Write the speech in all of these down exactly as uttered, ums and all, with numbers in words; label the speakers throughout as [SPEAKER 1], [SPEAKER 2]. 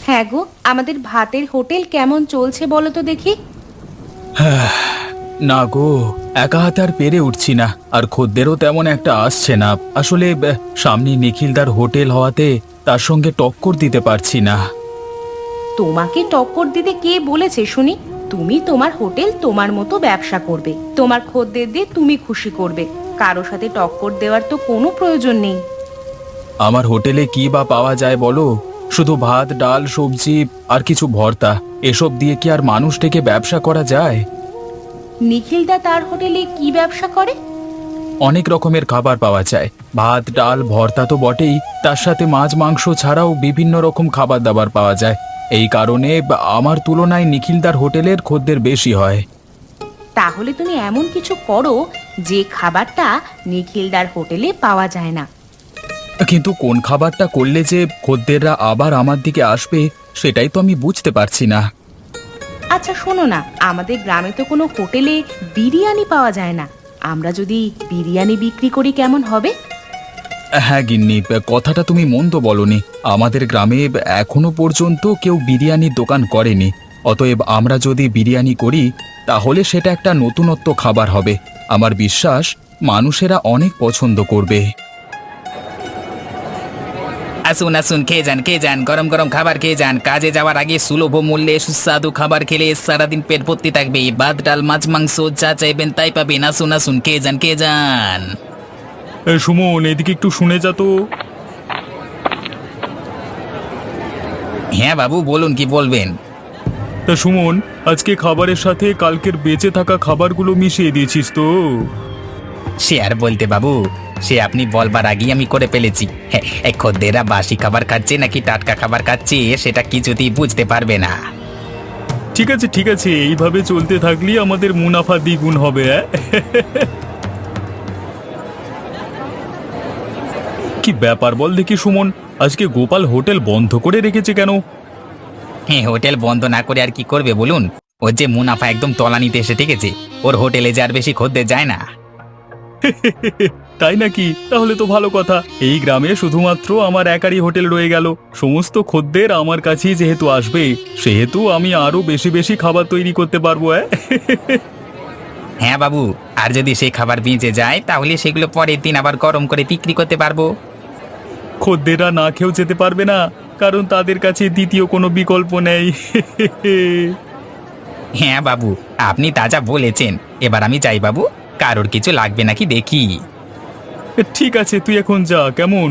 [SPEAKER 1] হ্যাঁ গো, আমাদের ভাতের হোটেল কেমন চলছে বলো তো দেখি।
[SPEAKER 2] না গো, একা হাতে আর পেরে উঠছি না, আর খদ্দেরও তেমন একটা আসছে না। আসলে আহ, সামনে নিখিলদার হোটেল হওয়াতে তার সঙ্গে টক্কর দিতে পারছি না।
[SPEAKER 1] তোমাকে টক্কর দিতে কে বলেছে শুনি? তুমি তোমার হোটেল তোমার মতো ব্যবসা করবে, তোমার খদ্দের দিয়ে তুমি খুশি করবে, কারো সাথে টক্কর দেওয়ার তো কোনো প্রয়োজন নেই।
[SPEAKER 2] আমার হোটেলে কি বা পাওয়া যায় বলো? শুধু ভাত, ডাল, সবজি আর কিছু ভর্তা, এসব দিয়ে কি আর মানুষ থেকে ব্যবসা করা যায়?
[SPEAKER 1] নিখিলদা তার হোটেলে কি ব্যবসা করে?
[SPEAKER 2] অনেক রকমের খাবার পাওয়া যায়, ভাত, ডাল, ভর্তা তো বটেই, তার সাথে মাছ, মাংস ছাড়াও বিভিন্ন রকম খাবার দাবার পাওয়া যায়। এই কারণে বা- আমার তুলনায় নিখিলদার হোটেলের খদ্দের বেশি হয়।
[SPEAKER 1] তাহলে তুমি এমন কিছু করো যে খাবারটা নিখিলদার হোটেলে পাওয়া যায় না।
[SPEAKER 2] কিন্তু কোন খাবারটা করলে যে খদ্দেররা আবার আমার দিকে আসবে, সেটাই তো আমি বুঝতে পারছি না।
[SPEAKER 1] আচ্ছা শোনো না, আমাদের গ্রামে তো কোনো হোটেলে বিরিয়ানি পাওয়া যায় না, আমরা যদি বিরিয়ানি বিক্রি করি কেমন হবে?
[SPEAKER 2] হ্যাঁ গিন্নি, কথাটা তুমি মন্দ বলনি। আমাদের গ্রামে এখনো পর্যন্ত কেউ বিরিয়ানির দোকান করেনি। অতএব আমরা যদি বিরিয়ানি করি, তাহলে সেটা একটা নতুনত্ব খাবার হবে। আমার বিশ্বাস মানুষেরা অনেক পছন্দ করবে।
[SPEAKER 3] আসুন আসুন, খেয়ে যান খেয়ে যান, গরম গরম খাবার খেয়ে যান। কাজে যাওয়ার আগে সুলভ মূল্যে সুস্বাদু খাবার খেলে সারাদিন পেট ভর্তি থাকবে। ভাত, ডাল, মাছ, মাংস যা চাইবেন তাই পাবেন। আসুন আসুন, খেয়ে যান খেয়ে যান।
[SPEAKER 2] সুমন, এদিকে একটু শুনে যা তো।
[SPEAKER 3] হ্যাঁ বাবু, বলুন কি বলবেন।
[SPEAKER 2] তা সুমন, আজকে খাবারের সাথে কালকের বেঁচে থাকা খাবারগুলো মিশিয়ে দিয়েছিস তো?
[SPEAKER 3] সে আর বলতে বাবু, সে আপনি বলবার আগেই আমি করে ফেলেছি। হ্যাঁ, এই খদ্দেররা বাসি খাবার খাচ্ছে নাকি টাটকা খাবার খাচ্ছে সেটা কিছুতেই বুঝতে পারবে না।
[SPEAKER 2] ঠিক আছে ঠিক আছে, এইভাবে চলতে থাকলেই আমাদের মুনাফা দ্বিগুণ হবে। অ্যাঁ? কি ব্যাপার বল দেখি সুমন, আজকে গোপাল হোটেল বন্ধ করে রেখেছে কেন?
[SPEAKER 3] হ্যাঁ, হোটেল বন্ধ না করে আর কি করবে বলুন? ওর যে মুনাফা একদম তলানিতে এসে ঠেকেছে, ওর হোটেলে যে আর বেশি খদ্দের যায় না।
[SPEAKER 2] তাই নাকি? তাহলে তো ভালো কথা। এই গ্রামে শুধুমাত্র আমার একারই হোটেল রয়ে গেল। সমস্ত খদ্দের আমার কাছেই যেহেতু আসবে, সেহেতু আমি আরো বেশি বেশি খাবার তৈরি করতে পারবো। অ্যাঁ?
[SPEAKER 3] হ্যাঁ বাবু, আর যদি সেই খাবার বেঁচে যায় তাহলে সেগুলো পরের দিন আবার গরম করে বিক্রি করতে পারবো।
[SPEAKER 2] খদ্দেররা না খেয়েও যেতে পারবে না, কারণ তাদের কাছে দ্বিতীয় কোনো বিকল্প নেই।
[SPEAKER 3] হ্যাঁ বাবু, আপনি তাজা বলেছেন। এবার আমি যাই বাবু, কারোর কিছু লাগবে নাকি দেখি।
[SPEAKER 2] ঠিক আছে, তুই এখন যা, কেমন?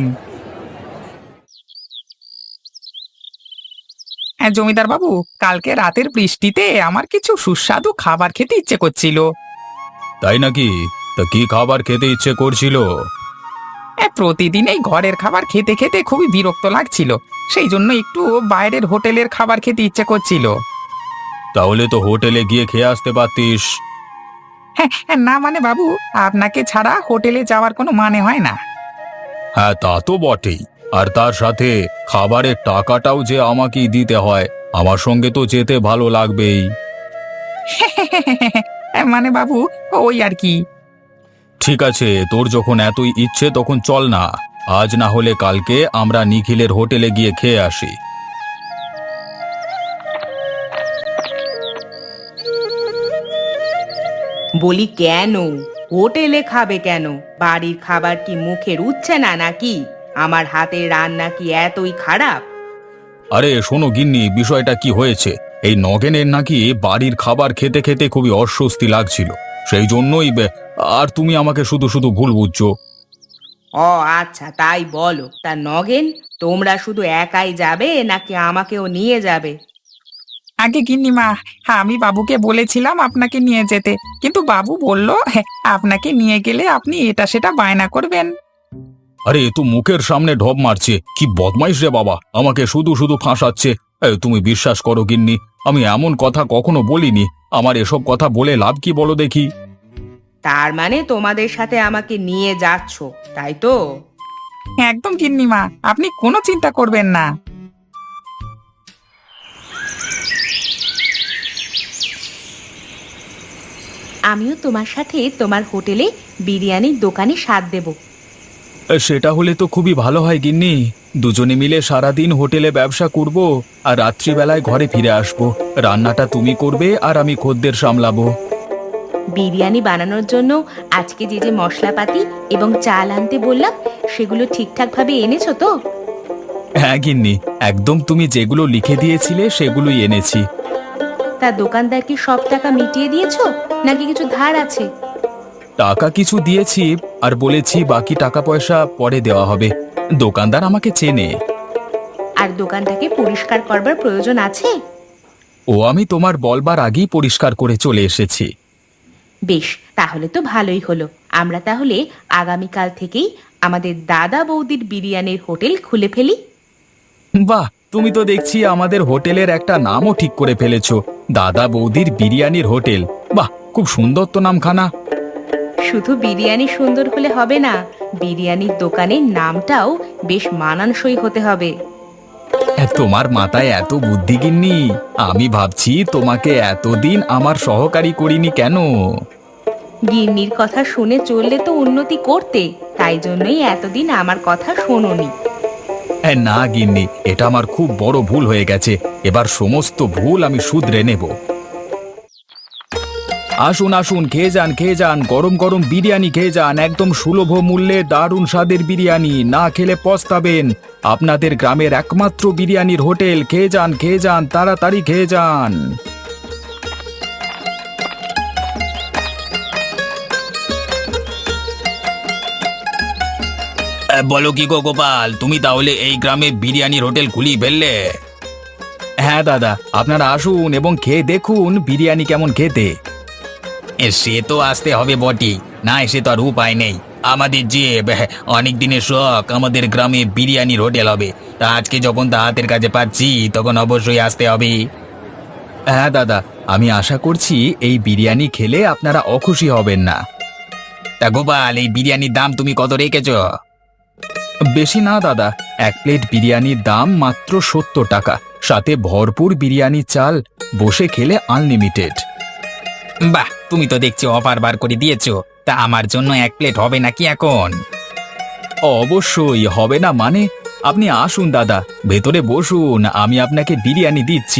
[SPEAKER 3] হ্যাঁ জমিদার বাবু, কালকে রাতের বৃষ্টিতে আমার কিছু সুস্বাদু খাবার খেতে ইচ্ছে করছিল।
[SPEAKER 2] তাই নাকি? তা কি খাবার খেতে ইচ্ছে করছিল?
[SPEAKER 3] হ্যাঁ, প্রতিদিন এই ঘরের খাবার খেতে খেতে খুবই বিরক্ত লাগছিল, সেই জন্য একটু বাইরের হোটেলের খাবার খেতে ইচ্ছে করছিল।
[SPEAKER 2] তাহলে তো হোটেলে গিয়ে খেয়ে আসতে পারতিস।
[SPEAKER 3] হ্যাঁ হ্যাঁ, না মানে বাবু, আপনাকে ছাড়া হোটেলে যাওয়ার কোনো মানে হয় না।
[SPEAKER 2] হ্যাঁ, তা তো বটেই। আর তার সাথে খাবারের টাকাটাও যে আমাকেই দিতে হয়, আমার সঙ্গে তো যেতে ভালো লাগবেই।
[SPEAKER 3] মানে বাবু, ওই আর কি।
[SPEAKER 2] ঠিক আছে, তোর যখন এতই ইচ্ছে তখন চল না, আজ না হলে কালকে আমরা নিখিলের হোটেলে গিয়ে খেয়ে আসি।
[SPEAKER 1] বলি কেন হোটেলে খাবে কেন? বাড়ির খাবার কি মুখে রুচ্ছে না নাকি? আমার হাতের রান্না কি এতই খারাপ?
[SPEAKER 2] আরে শোনো গিন্নি, বিষয়টা কি হয়েছে, এই নগেনের নাকি বাড়ির খাবার খেতে খেতে খুবই অস্বস্তি লাগছিল, সেই জন্যই বে- আর তুমি আমাকে শুধু শুধু ভুল বুঝছো।
[SPEAKER 1] ও আচ্ছা, তাই বলো। তা নগেন, তোমরা শুধু একাই যাবে নাকি আমাকেও নিয়ে যাবে?
[SPEAKER 3] আগে গিন্নিমা, হ্যাঁ আমি বাবুকে বলেছিলাম আপনাকে নিয়ে যেতে, কিন্তু বাবু বলল হ্যাঁ, আপনাকে নিয়ে গেলে আপনি এটা সেটা বায়না করবেন।
[SPEAKER 2] আরে এ তো মুখের সামনে ঢপ মারছে, কি বদমাইশ রে বাবা, আমাকে শুধু শুধু ফাঁসাচ্ছে। এ, তুমি বিশ্বাস করো গিন্নি, আমি এমন কথা কখনো বলিনি। আমার এসব কথা বলে লাভ কি বলো দেখি?
[SPEAKER 1] তার মানে তোমাদের সাথে আমাকে নিয়ে যাচ্ছ, তাই তো?
[SPEAKER 3] হ্যাঁ, একদম গিন্নিমা, আপনি কোনো চিন্তা করবেন না।
[SPEAKER 1] আমিও তোমার সাথে তোমার হোটেলে বিরিয়ানির দোকানে স্বাদ দেব।
[SPEAKER 2] সেটা হলে তো খুবই ভালো হয় গিন্নি। দুজনে মিলে সারাদিন হোটেলে ব্যবসা করব আর রাত্রিবেলায় ঘরে ফিরে আসব। রান্নাটা তুমি করবে আর আমি খদ্দের সামলাবো।
[SPEAKER 1] বিরিয়ানি বানানোর জন্য আজকে যে যে মশলাপাতি এবং চাল আনতে বললাম সেগুলো ঠিকঠাক ভাবে এনেছো তো?
[SPEAKER 2] হ্যাঁ গিন্নি, একদম তুমি যেগুলো লিখে দিয়েছিলে সেগুলোই এনেছি।
[SPEAKER 1] তা দোকানদার কি সব টাকা মিটিয়ে দিয়েছো নাকি কিছু ধার আছে?
[SPEAKER 2] টাকা কিছু দিয়েছি আর বলেছি বাকি টাকা পয়সা পরে দেওয়া হবে। দোকানদার আমাকে চেনে।
[SPEAKER 1] আর দোকানটাকে পরিষ্কার করবার প্রয়োজন আছে?
[SPEAKER 2] ও আমি তোমার বলবার আগেই পরিষ্কার করে চলে এসেছি।
[SPEAKER 1] বেশ, তাহলে তো ভালোই হলো। আমরা তাহলে আগামীকাল থেকেই আমাদের দাদা বৌদির বিরিয়ানির হোটেল খুলে ফেলি।
[SPEAKER 2] বাহ, তুমি তো দেখছি আমাদের হোটেলের একটা নামও ঠিক করে ফেলেছো, দাদা বৌদির বিরিয়ানির হোটেল। বাহ, খুব সুন্দর তো নামখানা।
[SPEAKER 1] শুধু বিরিয়ানি সুন্দর হলে হবে না, বিরিয়ানির দোকানের নামটাও বেশ মানানসই হতে হবে।
[SPEAKER 2] তোমার মাথায় এত বুদ্ধি গিন্নি, আমি ভাবছি তোমাকে এতদিন আমার সহকারী করিনি কেন।
[SPEAKER 1] গিন্নির কথা শুনে চললে তো উন্নতি করতে, তাই জন্যই এতদিন আমার কথা শোনোনি।
[SPEAKER 2] না গিন্নি, এটা আমার খুব বড় ভুল হয়ে গেছে। এবার সমস্ত ভুল আমি শুধরে নেব। আসুন আসুন, খেয়ে যান খেয়ে যান, গরম গরম বিরিয়ানি খেয়ে যান। একদম সুলভ মূল্যে দারুণ স্বাদের বিরিয়ানি, না খেলে পস্তাবেন। আপনাদের গ্রামের একমাত্র বিরিয়ানির হোটেল। খেয়ে যান খেয়ে যান, তাড়াতাড়ি খেয়ে যান।
[SPEAKER 3] বলো কি গো গোপাল, তুমি তাহলে এই গ্রামে বিরিয়ানির হোটেল খুলিয়ে ফেললে?
[SPEAKER 2] হ্যাঁ দাদা, আপনারা আসুন এবং খেয়ে দেখুন বিরিয়ানি কেমন খেতে।
[SPEAKER 3] এ, সে তো আসতে হবে বটি, না এসে তো আর উপায় নেই। আমাদের যে অনেক দিনের শখ, আমাদের গ্রামে বিরিয়ানির হোটেল হবে, তা আজকে যখন তা হাতের কাছে পাচ্ছি তখন অবশ্যই আসতে হবে।
[SPEAKER 2] হ্যাঁ দাদা, আমি আশা করছি এই বিরিয়ানি খেলে আপনারা অখুশি হবেন না।
[SPEAKER 3] তা গোপাল, এই বিরিয়ানির দাম তুমি কত রেখেছ?
[SPEAKER 2] বেশি না দাদা, এক প্লেট বিরিয়ানির দাম মাত্র সত্তর টাকা, সাথে ভরপুর বিরিয়ানি চাল, বসে খেলে আনলিমিটেড।
[SPEAKER 3] বাহ, তুমি তো দেখছি অফার বার করে দিয়েছো। তা আমার জন্য এক প্লেট হবে নাকি এখন?
[SPEAKER 2] অবশ্যই হবে না মানে? আপনি আসুন দাদা, ভেতরে বসুন, আমি আপনাকে বিরিয়ানি দিচ্ছি।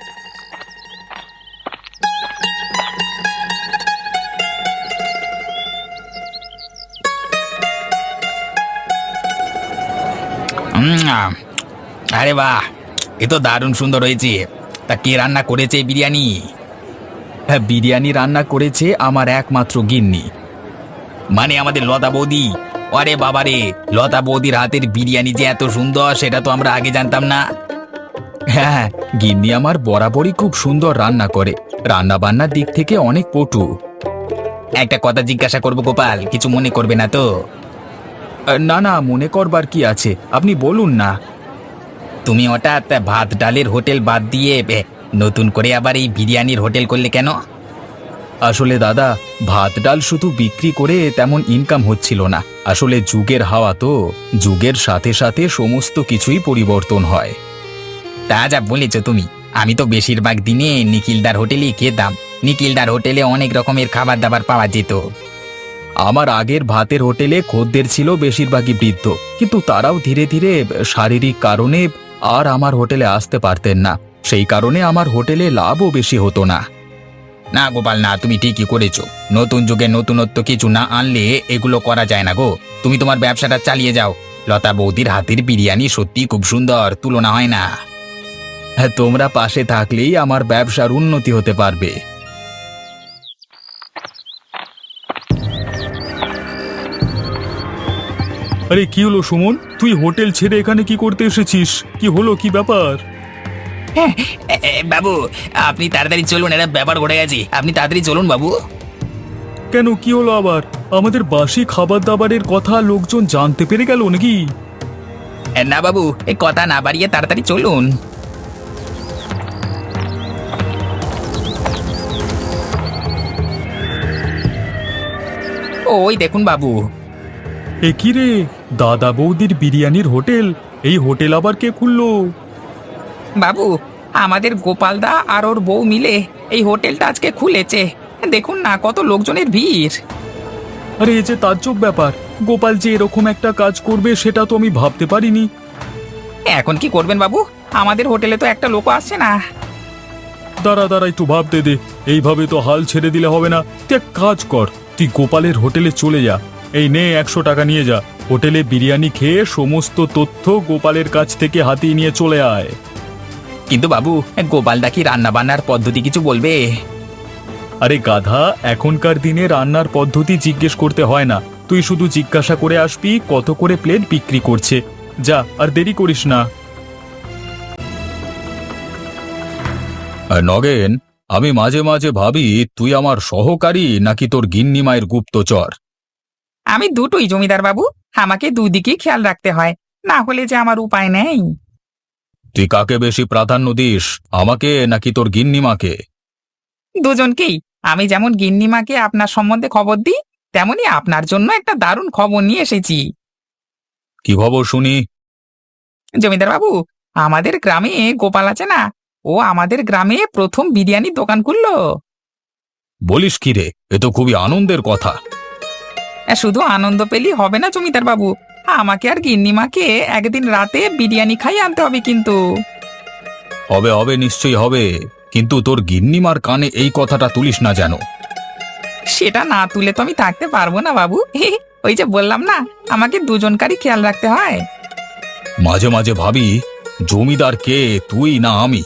[SPEAKER 3] উম, আরে বাহ, এ তো দারুণ সুন্দর হয়েছে। তা কে রান্না করেছে এই বিরিয়ানি?
[SPEAKER 2] হ্যাঁ, বিরিয়ানি রান্না করেছে আমার একমাত্র গিন্নি।
[SPEAKER 3] মানে আমাদের লতা বৌদি? আরে বাবারে, লতা বৌদির হাতের বিরিয়ানি যে এত সুন্দর সেটা তো আমরা আগে জানতাম না।
[SPEAKER 2] হ্যাঁ, গিন্নি আমার বরাবরই খুব সুন্দর রান্না করে, রান্না বান্নার দিক থেকে অনেক পটু।
[SPEAKER 3] একটা কথা জিজ্ঞাসা করবো গোপাল, কিছু মনে করবে না তো?
[SPEAKER 2] না না, মনে করবার কি আছে, আপনি বলুন না।
[SPEAKER 3] তুমি হঠাৎ ভাত ডালের হোটেল বাদ দিয়ে এ, নতুন করে আবার এই বিরিয়ানির হোটেল করলে কেন?
[SPEAKER 2] আসলে দাদা, ভাত ডাল শুধু বিক্রি করে তেমন ইনকাম হচ্ছিল না। আসলে যুগের হাওয়া তো, যুগের সাথে সাথে সমস্ত কিছুই পরিবর্তন হয়।
[SPEAKER 3] তা যা বলেছ তুমি, আমি তো বেশিরভাগ দিনে নিখিলদার হোটেলেই খেতাম। নিখিলদার হোটেলে অনেক রকমের খাবার দাবার পাওয়া যেত।
[SPEAKER 2] আমার আগের ভাতের হোটেলে খদ্দের ছিল বেশিরভাগই বৃদ্ধ, কিন্তু তারাও ধীরে ধীরে শারীরিক কারণে আর আমার হোটেলে আসতে পারতেন না। সেই কারণে আমার হোটেলে লাভও বেশি হতো না।
[SPEAKER 3] না গোপাল না, তুমি ঠিকই করেছো। নতুন যুগে নতুনত্ব কিছু না আনলে এগুলো করা যায় না গো। তুমি তোমার ব্যবসাটা চালিয়ে যাও। লতা বৌদির হাতের বিরিয়ানি সত্যি খুব সুন্দর, তুলনা হয় না।
[SPEAKER 2] হ্যাঁ, তোমরা পাশে থাকলেই আমার ব্যবসার উন্নতি হতে পারবে।
[SPEAKER 4] আরে কি হলো সুমন, তুই হোটেল ছেড়ে এখানে কি করতে এসেছিস? কি হলো, কি ব্যাপার?
[SPEAKER 3] এ, এ, বাবু, আপনি তাড়াতাড়ি চলুন, একটা ব্যাপার ঘটে গেছে। আপনি তাড়াতাড়ি চলুন বাবু।
[SPEAKER 4] কেন, কি হলো আবার? আমাদের বাসি খাবার দাবারের কথা লোকজন জানতে পেরে গেল নাকি?
[SPEAKER 3] এ, না বাবু, এই কথা না বাড়িয়ে তাড়াতাড়ি চলুন। ওই দেখুন বাবু।
[SPEAKER 4] এ কি রে, দাদা বৌদির বিরিয়ানির হোটেল? এই হোটেল আবার কে খুললো?
[SPEAKER 3] বাবু, আমাদের গোপালদা আর ওর বউ মিলে এই হোটেলটা আজকে খুলেছে। দেখুন না, কত লোকজনের ভিড়।
[SPEAKER 4] আরে এ যে তাজ্জব ব্যাপার, গোপাল যে এরকম একটা কাজ করবে সেটা তো আমি ভাবতে পারিনি।
[SPEAKER 3] এখন কি করবেন বাবু? আমাদের হোটেলে তো একটা লোক আসছে না।
[SPEAKER 4] দাঁড়া দাঁড়া একটু ভাবতে দে, এইভাবে তো হাল ছেড়ে দিলে হবে না। তুই এক কাজ কর, তুই গোপালের হোটেলে চলে যা, এই নে একশো টাকা নিয়ে যা, হোটেলে বিরিয়ানি খেয়ে সমস্ত তথ্য গোপালের কাছ থেকে হাতিয়ে নিয়ে চলে আয়।
[SPEAKER 3] কিন্তু বাবু, গোপালদা কি রান্না বান্নার পদ্ধতি কিছু বলবে?
[SPEAKER 4] আরে গাধা, এখনকার দিনে রান্নার পদ্ধতি জিজ্ঞেস করতে হয় না, তুই শুধু জিজ্ঞাসা করে আসবি কত করে প্লেট বিক্রি করছে। যা, আর দেরি করিস না।
[SPEAKER 2] নগেন, আমি মাঝে মাঝে ভাবি তুই আমার সহকারী নাকি তোর গিন্নি মায়ের গুপ্তচর।
[SPEAKER 3] আমি দুটোই জমিদার বাবু, আমাকে দুদিকেই খেয়াল রাখতে হয়, না হলে যে আমার উপায় নেই।
[SPEAKER 2] তুই কাকে বেশি প্রাধান্য দিস, আমাকে নাকি তোর গিন্নিমাকে?
[SPEAKER 3] দুজনকেই। আমি যেমন গিন্নিমাকে আপনার সম্বন্ধে খবর দিই, তেমনি আপনার জন্য একটা দারুণ খবর নিয়ে এসেছি।
[SPEAKER 2] কি খবর শুনি?
[SPEAKER 3] জমিদার বাবু, আমাদের গ্রামে গোপাল আছে না, ও আমাদের গ্রামে প্রথম বিরিয়ানির দোকান খুললো।
[SPEAKER 2] বলিস কি রে, এ তো খুবই আনন্দের কথা।
[SPEAKER 3] শুধু আনন্দ পেলেই হবে না জমিদার বাবু, আমাকে আর গিন্নিমাকে একদিন রাতে বিরিয়ানি খাই আনতে হবে কিন্তু।
[SPEAKER 2] হবে হবে, নিশ্চয়ই হবে, কিন্তু তোর গিন্নিমার কানে এই কথাটা তুলিস না যেন।
[SPEAKER 3] সেটা না তুলে তো আমি থাকতে পারবো না বাবু। ওই যে বললাম না, আমাকে দুজনকারই খেয়াল রাখতে হয়।
[SPEAKER 2] মাঝে মাঝে ভাবি জমিদার কে, তুই না আমি?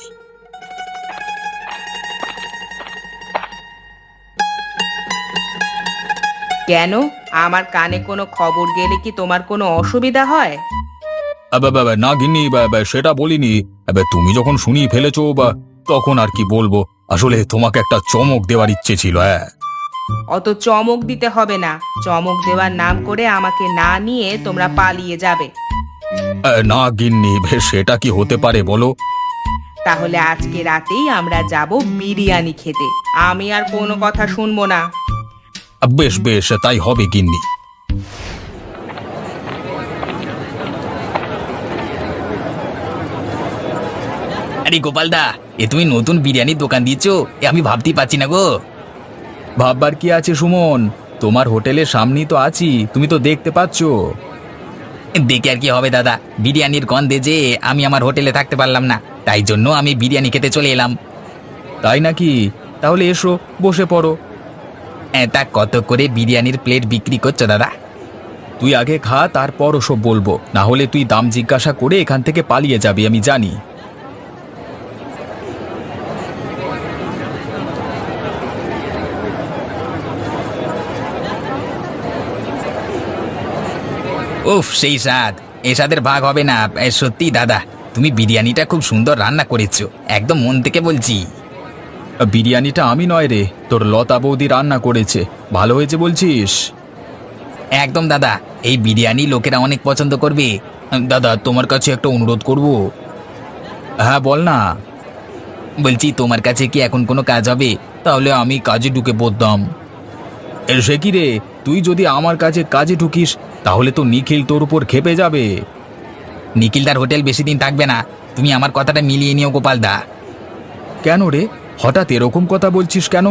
[SPEAKER 1] কেন, আমার কানে কোনো খবর গেলে কি তোমার কোনো অসুবিধা হয়?
[SPEAKER 2] আবে, বাবা, না গিন্নি, বাবা, সেটা বলিনি। আবে, তুমি যখন শুনিয়ে ফেলেছো বা, তখন আর কি বলবো। আসলে তোমাকে একটা চমক দেওয়ার ইচ্ছে ছিল। হ্যাঁ,
[SPEAKER 1] অত চমক দিতে হবে না, চমক দেওয়ার নাম করে আমাকে না নিয়ে তোমরা পালিয়ে যাবে।
[SPEAKER 2] আহ, না গিন্নি, বেশ, সেটা কি হতে পারে বলো?
[SPEAKER 1] তাহলে আজকে রাতেই আমরা যাব বিরিয়ানি খেতে, আমি আর কোনো কথা শুনবো না।
[SPEAKER 2] আহ, বেশ বেশ, তাই হবে গিন্নি।
[SPEAKER 3] আরে গোপালদা, এ তুমি নতুন বিরিয়ানির দোকান দিয়েছো, এ আমি ভাবতেই পারছি না গো।
[SPEAKER 2] ভাববার কি আছে সুমন, তোমার হোটেলের সামনেই তো আছি, তুমি তো দেখতে পাচ্ছ।
[SPEAKER 3] দেখে আর কি হবে দাদা, বিরিয়ানির গন্ধে যে আমি আমার হোটেলে থাকতে পারলাম না, তাই জন্য আমি বিরিয়ানি খেতে চলে এলাম।
[SPEAKER 2] তাই নাকি? তাহলে এসো, বসে পড়ো।
[SPEAKER 3] এ, তা কত করে বিরিয়ানির প্লেট বিক্রি করছো দাদা?
[SPEAKER 2] তুই আগে খা, তারপর ওসব বলবো, না হলে তুই দাম জিজ্ঞাসা করে এখান থেকে পালিয়ে যাবি, আমি জানি।
[SPEAKER 3] উফ, সেই স্বাদ, এ স্বাদের ভাগ হবে না। এ, সত্যি দাদা, তুমি বিরিয়ানিটা খুব সুন্দর রান্না করেছো, একদম মন থেকে বলছি।
[SPEAKER 2] বিরিয়ানিটা আমি নয় রে, তোর লতা বৌদি রান্না করেছে, ভালো হয়েছে বলছিস?
[SPEAKER 3] একদম দাদা, এই বিরিয়ানি লোকেরা অনেক পছন্দ করবে। দাদা, তোমার কাছে একটা অনুরোধ করব।
[SPEAKER 2] হ্যাঁ, বল না।
[SPEAKER 3] বলছি, তোমার কাছে কি এখন কোনো কাজ হবে? তাহলে আমি কাজে ঢুকে পড়তাম।
[SPEAKER 2] এ, সে কি রে, তুই যদি আমার কাছে কাজে ঢুকিস তাহলে তো নিখিল তোর উপর খেপে যাবে।
[SPEAKER 3] নিখিলদার হোটেল বেশি দিন থাকবে না, তুমি আমার কথাটা মিলিয়ে নিও গোপালদা।
[SPEAKER 2] কেন রে, হঠাৎ এরকম কথা বলছিস কেন?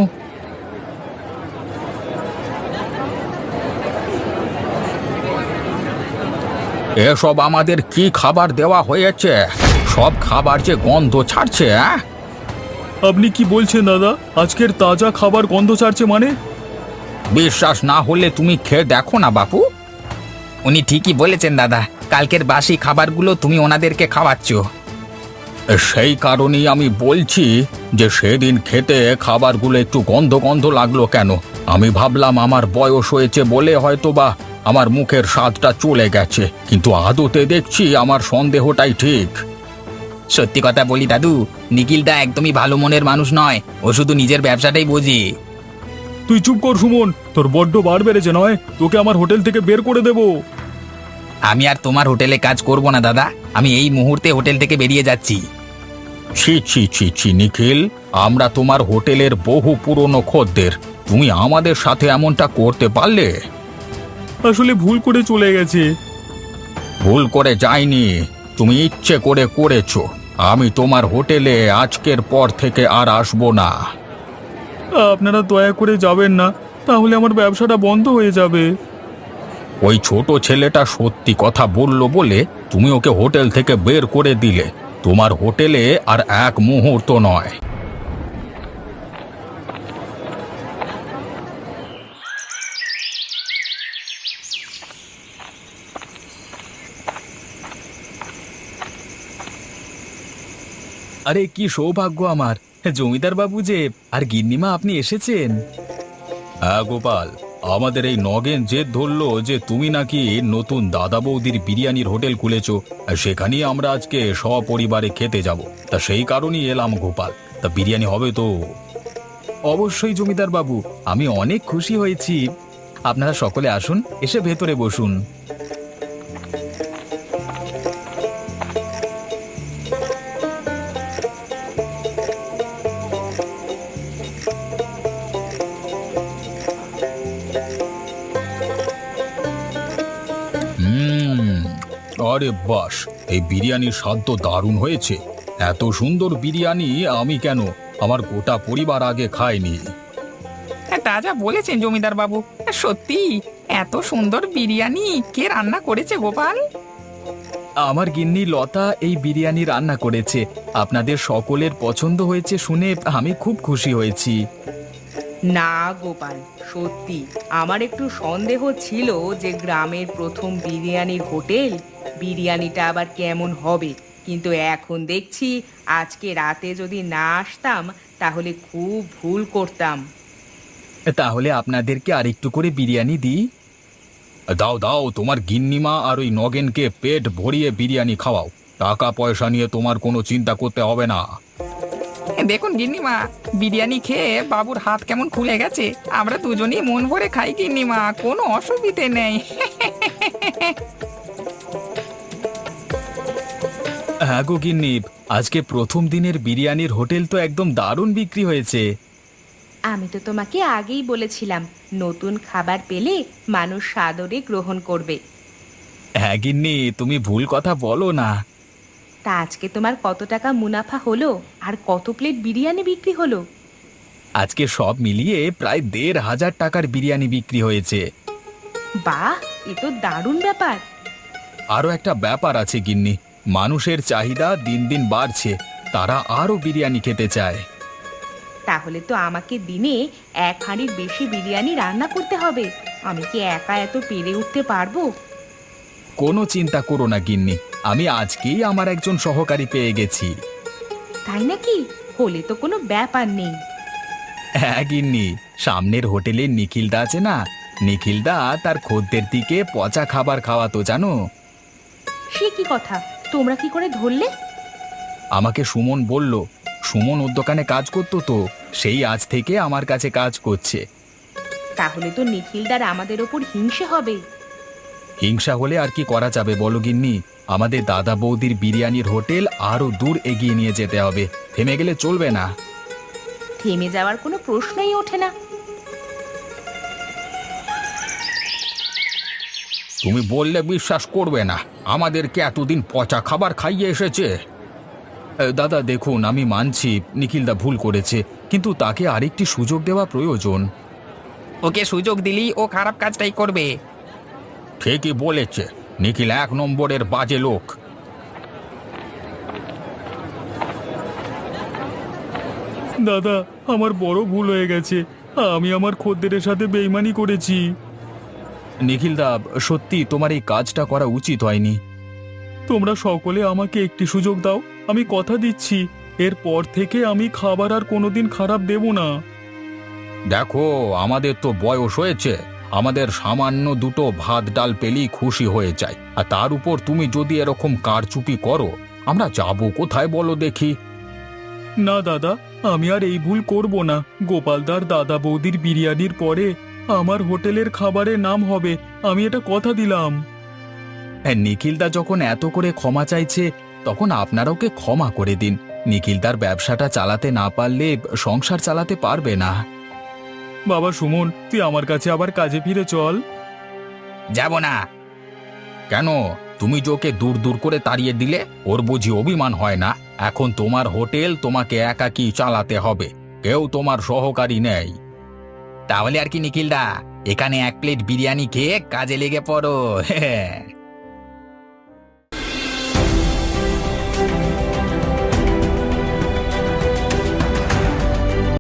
[SPEAKER 2] এসব আমাদের কি খাবার দেওয়া হয়েছে? সব খাবার যে গন্ধ ছাড়ছে। হ্যাঁ,
[SPEAKER 4] আপনি কি বলছেন দাদা, আজকের তাজা খাবার গন্ধ ছাড়ছে মানে?
[SPEAKER 2] বিশ্বাস না হলে তুমি খেয়ে দেখো না বাপু।
[SPEAKER 3] উনি ঠিকই বলেছেন দাদা, কালকের বাসি খাবারগুলো তুমি ওনাদেরকে খাওয়াচ্ছ।
[SPEAKER 2] সেই কারণেই আমি বলছি যে সেদিন খেতে খাবারগুলো একটু গন্ধ গন্ধ লাগলো কেন। আমি ভাবলাম আমার বয়স হয়েছে বলে হয়তো বা আমার মুখের স্বাদটা চলে গেছে, কিন্তু আদতে দেখছি আমার সন্দেহটাই ঠিক।
[SPEAKER 3] সত্যি কথা বলি দাদু, নিখিলদা একদমই ভালো মনের মানুষ নয়, ও শুধু নিজের ব্যবসাটাই বোঝে।
[SPEAKER 4] তুই চুপ কর সুমন, তোর বড্ড বার বেড়েছে নয়, তোকে আমার হোটেল থেকে বের করে দেবো।
[SPEAKER 3] আমি আর তোমার হোটেলে কাজ করব না দাদা, আমি এই মুহূর্তে হোটেল থেকে বেরিয়ে যাচ্ছি।
[SPEAKER 2] ছি ছি ছি ছি নিখিল, আমরা তোমার হোটেলের বহু পুরনো খদ্দের, তুমি আমাদের সাথে এমনটা করতে পারলে?
[SPEAKER 4] আসলে ভুল করে চলে গেছে।
[SPEAKER 2] ভুল করে যায়নি, তুমি ইচ্ছে করে করেছো। আমি তোমার হোটেলে আজকের পর থেকে আর আসবো না।
[SPEAKER 4] আপনারা দয়া করে যাবেন না, তাহলে আমার ব্যবসাটা বন্ধ হয়ে যাবে।
[SPEAKER 2] ওই ছোট ছেলেটা সত্যি কথা বলল বলে তুমি ওকে হোটেল থেকে বের করে দিলে। তোমার হোটেলে আর এক মুহূর্ত নয়। আরে কি সৌভাগ্য আমার, জমিদার বাবু যে আর গিন্নিমা আপনি এসেছেন। হ্যাঁ গোপাল, আমাদের এই নগেন জেদ ধরলো যে তুমি নাকি নতুন দাদা বৌদির বিরিয়ানির হোটেল খুলেছো, আর সেখানেই আমরা আজকে সপরিবারে খেতে যাব। তা সেই কারণেই এলাম গোপাল। তা বিরিয়ানি হবে তো? অবশ্যই জমিদার বাবু, আমি অনেক খুশি হয়েছি। আপনারা সকলে আসুন, এসে ভেতরে বসুন। হুম, আরে বাস, এই বিরিয়ানির স্বাদ তো দারুণ হয়েছে। এত সুন্দর বিরিয়ানি আমি কেন, আমার গোটা পরিবার আগে খায়নি।
[SPEAKER 3] হ্যাঁ, তা যা বলেছেন জমিদার বাবু, সত্যি এত সুন্দর বিরিয়ানি কে রান্না করেছে গোপাল?
[SPEAKER 2] আমার গিন্নি লতা এই বিরিয়ানি রান্না করেছে। আপনাদের সকলের পছন্দ হয়েছে শুনে আমি খুব খুশি হয়েছি।
[SPEAKER 1] না গোপাল, সত্যি আমার একটু সন্দেহ ছিল যে গ্রামের প্রথম বিরিয়ানির হোটেল, বিরিয়ানিটা আবার কেমন হবে। কিন্তু এখন দেখছি আজকে রাতে যদি না আসতাম তাহলে খুব ভুল করতাম।
[SPEAKER 2] তাহলে আপনাদেরকে আরেকটু করে বিরিয়ানি দিই। দাও দাও, তোমার গিন্নিমা আর ওই নগেনকে পেট ভরিয়ে বিরিয়ানি খাওয়াও। টাকা পয়সা নিয়ে তোমার কোনো চিন্তা করতে হবে না।
[SPEAKER 3] দেখুন গিন্নিমা, বিরিয়ানি খেয়ে বাবুর হাত কেমন খুলে গেছে। আমরা দুজনেই মন ভরে খাই গিন্নিমা, কোনো অসুবিধে নেই।
[SPEAKER 2] হ্যাঁ গো গিন্নি, আজকে প্রথম দিনের বিরিয়ানির হোটেল তো একদম দারুণ বিক্রি হয়েছে।
[SPEAKER 1] আমি তো তোমাকে আগেই বলেছিলাম, নতুন খাবার পেলে মানুষ সাদরে গ্রহণ করবে।
[SPEAKER 2] হ্যাঁ গিন্নি, তুমি ভুল কথা বলো না।
[SPEAKER 1] তা আজকে তোমার কত টাকা মুনাফা হলো আর কত প্লেট বিরিয়ানি বিক্রি হলো?
[SPEAKER 2] আজকে সব মিলিয়ে প্রায় দেড় হাজার টাকার বিরিয়ানি বিক্রি হয়েছে।
[SPEAKER 1] বাহ, এ তো দারুণ ব্যাপার।
[SPEAKER 2] আরও একটা ব্যাপার আছে গিন্নি, মানুষের চাহিদা দিন দিন বাড়ছে, তারা আরও বিরিয়ানি খেতে চায়।
[SPEAKER 1] তাহলে তো আমাকে দিনে এক হাঁড়ির বেশি বিরিয়ানি রান্না করতে হবে। আমি কি একা এত পেরে উঠতে পারবো?
[SPEAKER 2] কোনো চিন্তা করো না গিন্নি, আমি আজকেই আমার একজন সহকারী পেয়ে গেছি।
[SPEAKER 1] তাই নাকি? হলে তো কোনো ব্যাপার নেই।
[SPEAKER 2] হ্যাঁ গিন্নি, সামনের হোটেলে নিখিলদা আছে না, নিখিলদা তার খদ্দের দিকে পচা খাবার খাওয়াতো জানো।
[SPEAKER 1] সে কি কথা, তোমরা কি করে ধরলে?
[SPEAKER 2] আমাকে সুমন বলল, সুমন ওর দোকানে কাজ করতো তো, সেই আজ থেকে আমার কাছে কাজ করছে।
[SPEAKER 1] তাহলে তো নিখিলদার আমাদের ওপর হিংসে হবে।
[SPEAKER 2] হিংসা হলে আর কি করা যাবে বলো গিন্নি, আমাদের দাদা বৌদির বিরিয়ানির হোটেল আরো দূর এগিয়ে নিয়ে যেতে হবে, থেমে গেলে চলবে না।
[SPEAKER 1] থেমে যাওয়ার কোনো প্রশ্নই ওঠে না।
[SPEAKER 2] তুমি বললে বিশ্বাস করবে না, আমাদেরকে এতদিন পচা খাবার খাইয়ে এসেছে। এ, দাদা দেখুন, আমি মানছি নিখিলদা ভুল করেছে, কিন্তু তাকে আরেকটি সুযোগ দেওয়া প্রয়োজন।
[SPEAKER 3] ওকে সুযোগ দিলি ও খারাপ কাজটাই করবে।
[SPEAKER 2] ঠিকই বলেছে, নিখিল এক নম্বরের বাজে লোক।
[SPEAKER 4] দাদা, আমার বড় ভুল হয়ে গেছে। আমি আমার খদ্দেরের সাথে বেইমানি করেছি।
[SPEAKER 2] নিখিলদা, সত্যি তোমার এই কাজটা করা উচিত হয়নি।
[SPEAKER 4] তোমরা সকলে আমাকে একটি সুযোগ দাও, আমি কথা দিচ্ছি এরপর থেকে আমি খাবার আর কোনোদিন খারাপ দেব না।
[SPEAKER 2] দেখো, আমাদের তো বয়স হয়েছে, আমাদের সামান্য দুটো ভাত ডাল পেলেই খুশি হয়ে যায়, আর তার উপর তুমি যদি এরকম কারচুপি করো, আমরা যাবো কোথায় বলো দেখি।
[SPEAKER 4] না দাদা, আমি আর এই ভুল করব না। গোপালদার দাদা বৌদির বিরিয়ানির পরে আমার হোটেলের খাবারের নাম হবে, আমি এটা কথা দিলাম।
[SPEAKER 2] হ্যাঁ, নিখিলদা যখন এত করে ক্ষমা চাইছে, তখন আপনারা ওকে ক্ষমা করে দিন। নিখিলদার ব্যবসাটা চালাতে না পারলে সংসার চালাতে পারবে না।
[SPEAKER 4] বাবা সুমন, তুই আমার কাছে আবার কাজে ফিরে চল।
[SPEAKER 3] যাব না।
[SPEAKER 2] কেন, তুমি যে ওকে দূর দূর করে তাড়িয়ে দিলে, ওর বুঝি অভিমান হয় না? এখন তোমার হোটেল তোমাকে একাকী চালাতে হবে, কেউ তোমার সহকারী নেই।
[SPEAKER 3] তাহলে আর কি নিখিলদা, এখানে এক প্লেট বিরিয়ানি খেয়ে কাজে লেগে পড়ো।